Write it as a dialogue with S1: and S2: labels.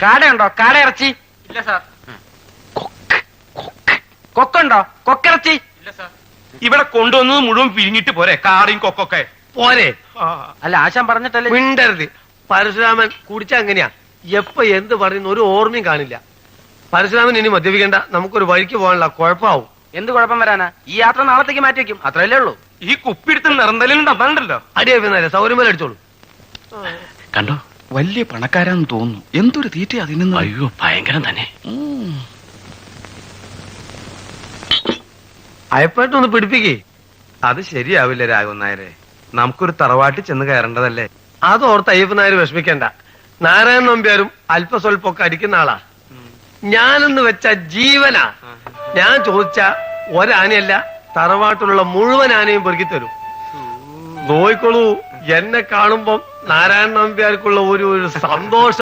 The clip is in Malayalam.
S1: കാടയുണ്ടോ? കാട ഇറച്ചി
S2: ഇല്ല സാർ.
S1: കൊക്കുണ്ടോ? കൊക്കിറച്ചി
S2: ഇല്ല സാർ.
S3: ഇവിടെ കൊണ്ടുവന്നത് മുഴുവൻ പിരിഞ്ഞിട്ട് പോരെ കാറിയും കൊക്കൊക്കെ?
S4: പോരെ.
S1: അല്ല ആശാൻ പറഞ്ഞിട്ടല്ലേ.
S4: മിണ്ടരുത്. പരശുരാമൻ കുടിച്ച അങ്ങനെയാ, എപ്പ എന്ത് പറയുന്ന ഒരു ഓർമ്മയും കാണില്ല. പരശുരാമൻ ഇനി മദ്യപിക്കണ്ട, നമുക്കൊരു വഴിക്ക് പോകാനുള്ള കുഴപ്പമാവും.
S1: എന്ത് കുഴപ്പം വരാനാ? ഈ യാത്ര നാളത്തേക്ക് മാറ്റി വെക്കും, അത്രയല്ലേ ഉള്ളൂ.
S3: ഈ കുപ്പിടുത്ത് നിറന്തലുണ്ടോ? അതാണ്ടല്ലോ.
S4: അടിയാ സൗകര്യം പോലെ അടിച്ചോളൂ.
S5: കണ്ടോ, വലിയ പണക്കാരാന്ന് തോന്നുന്നു. എന്തൊരു തീറ്റ അതിന്.
S1: അയ്യോ ഭയങ്കരം തന്നെ.
S4: അയപ്പായിട്ടൊന്ന് പിടിപ്പിക്കേ.
S6: അത് ശരിയാവില്ല രാഘവൻ നായരെ. നമുക്കൊരു തറവാട്ടിൽ ചെന്ന് കയറേണ്ടതല്ലേ?
S4: അതോർത്ത് അയ്യപ്പൻ നായർ വിഷമിക്കണ്ട. നാരായണൻ നമ്പ്യാരും അല്പസ്വല്പൊക്കെ അടിക്കുന്ന ആളാ. ഞാനെന്ന് വെച്ച ജീവനാ. ഞാൻ ചോദിച്ച ഒരാനയല്ല, തറവാട്ടിലുള്ള മുഴുവൻ ആനയും പെറുക്കി തരും. നോയിക്കോളൂ, എന്നെ കാണുമ്പം നാരായണൻ നമ്പ്യാർക്കുള്ള ഒരു സന്തോഷം.